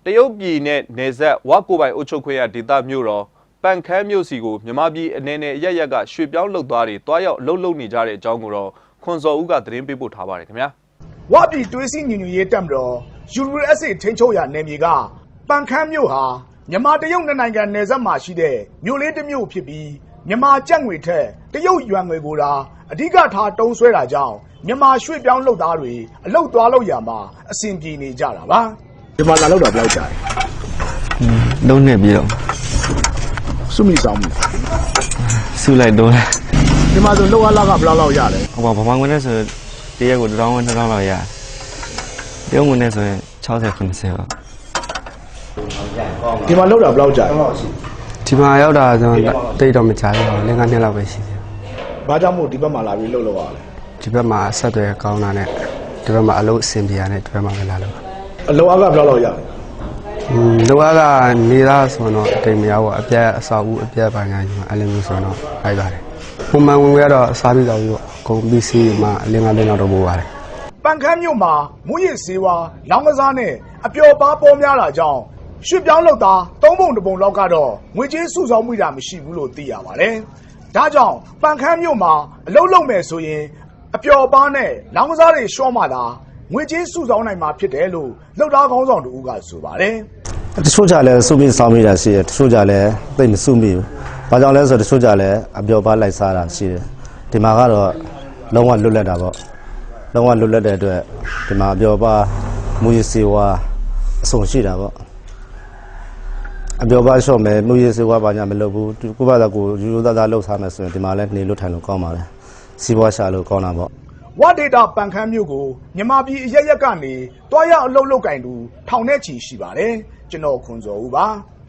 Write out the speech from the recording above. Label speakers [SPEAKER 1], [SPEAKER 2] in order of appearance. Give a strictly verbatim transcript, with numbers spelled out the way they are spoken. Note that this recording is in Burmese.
[SPEAKER 1] တရုတ်ပြည်နဲ့နယ်စပ်ဝါကိုပိုင်အုပ်ချုပ်ခွင့်ရဒေသမြို့တော်ပန်ခမ်းမြို့စီကိုမြန်မာပြည်အနေနဲ့ရရက်ကရွှေပြောင်းလုပ်သားတွေတွားရောက်လှုပ်လှုပ်နေကြတဲ့အကြောင်းကိုတော့ခွန်စော်ဦးကသတင်းပေးပို့ထားပါတယ်ခင်ဗျာ
[SPEAKER 2] ဝါပြည်တွေးစီညီညွတ်ရေးတပ်မတော် ယူ အက်စ် အေ ထိန်းချုပ်ရာနယ်မြေကပန်ခမ်းမြို့ဟာမြန်မာတရုတ်နိုင်ငံနယ်စပ်မှာရှိတဲ့မြို့လေးတစ်မြို့ဖြစ်ပြီးမြန်မာကျပ်ငွေထက်တရုတ်ယွမ်ငွေကိုသာအဓိကထားတုံးဆွဲတာကြောင့်မြန်မာရွှေ့ပြောင်းလုပ်သားတွေအလုပ်သွားလုပ်ရမှာအဆင်ပြေနေကြတာပါဒီမှာလာလောက်တာဘယ်လောက်ကြာလဲ
[SPEAKER 3] လုံးနေပြီတော့
[SPEAKER 2] စုမိဆောင်မှု
[SPEAKER 3] စုလိုက်တော့
[SPEAKER 2] ဒီမှာဆိုလောက်အားလာကဘယ်လောက်လောက်ရလဲ
[SPEAKER 3] ဟိုဗမာငွေနဲ့ဆိုတရက်ကိုတစ်ထောင်နှစ်ထောင်လောက်ရတရုတ်ငွေနဲ့ဆိုရင်၆၀ ၇၀ပါ
[SPEAKER 2] ဒီမှာလောက်တာဘယ်လောက်ကြာလဲ
[SPEAKER 3] ဒီမှာရောက်တာဆိုတိတ်တော့မကြာဘူးလင်းကနှစ်လောက်ပဲရှိတယ်
[SPEAKER 2] ဘာကြောင့်မို့ဒီဘက်မှာလာပြီးလှုပ်လို့ရလဲ
[SPEAKER 3] ဒီဘက်မှာဆက်သွယ်ကောင်းတာနဲ့ဒီဘက်မှာအလုပ်အဆင်ပြေရတဲ့ဒီဘက်မှာပဲလာလို့
[SPEAKER 2] အလုပ်အားကဘယ်လောက်လောက်ရလဲ
[SPEAKER 3] อืมလောကနေသားဆိုတော့အတိမ်မရဘူးအပြက်အဆောက်ဦးအပြက်ပိုင်းကညီမအဲ့လိုမျိုးဆိုတော့ဖိုက်ပါတယ်ပုံမှန်ဝင်ရတော့စားပြီးတော့ပြီးတော့ကုန်ပစ္စည်းမှာအလင်းကလင်းတော့ပို့ပါတယ်
[SPEAKER 2] ပန်ခမ်းမြို့မှာမူရစ်စေဝါလောင်းကစားနဲ့အပျော်ပါးပေါ်များတာကြောင့်ရွှေပြောင်းလုပ်သားသုံးပုံတစ်ပုံလောက်ကတော့ငွေကြေးစုဆောင်းမှုတာမရှိဘူးလို့သိရပါတယ်ဒါကြောင့်ပန်ခမ်းမြို့မှာအလုပ်လုပ်မယ်ဆိုရင်အပျော်ပါးနဲ့လောင်းကစားတွေရှော့မှသာငွေကြေးစုဆောင်းနိုင်မှာဖြစ်တယ်လို့လှုပ်သားခေါင်းဆောင်တို့ကဆိုပါတယ်
[SPEAKER 4] တချို့ကြလဲစုမိဆောင်းမိတာရှိတယ်တချို့ကြလဲသိမစုမိဘူးဘာကြောင့်လဲဆိုတော့တချို့ကြလဲအပျော်ပါးလိုက်စားတာရှိတယ်ဒီမှာကတော့လုံးဝလွတ်လပ်တာပေါ့လုံးဝလွတ်လပ်တဲ့အတွက်ဒီမှာအပျော်ပါးမူရစီဝါအဆုံရှိတာပေါ့အပျော်ပါးလျှော့မယ်မူရစီဝါဘာညာမလုပ်ဘူးကိုယ့်ဘာသာကိုယူယူသားသားလှုပ်ရှားမယ်ဆိုရင်ဒီမှာလဲနေလို့ထိုင်လို့ကောင်းပါလေစီးပွားရှာလို့ကောင်းတာပေါ့
[SPEAKER 2] ဝါဒေတာပန်ခမ်းမြို့ကိုမြန်မာပြည်အရက်ရက်ကနေတွားရောက်အလုပ်လုပ်ကင်သူထောင်နဲ့ချီရှိပါတယ်ကျွန်တော်ခွန်စော်ဦးပါ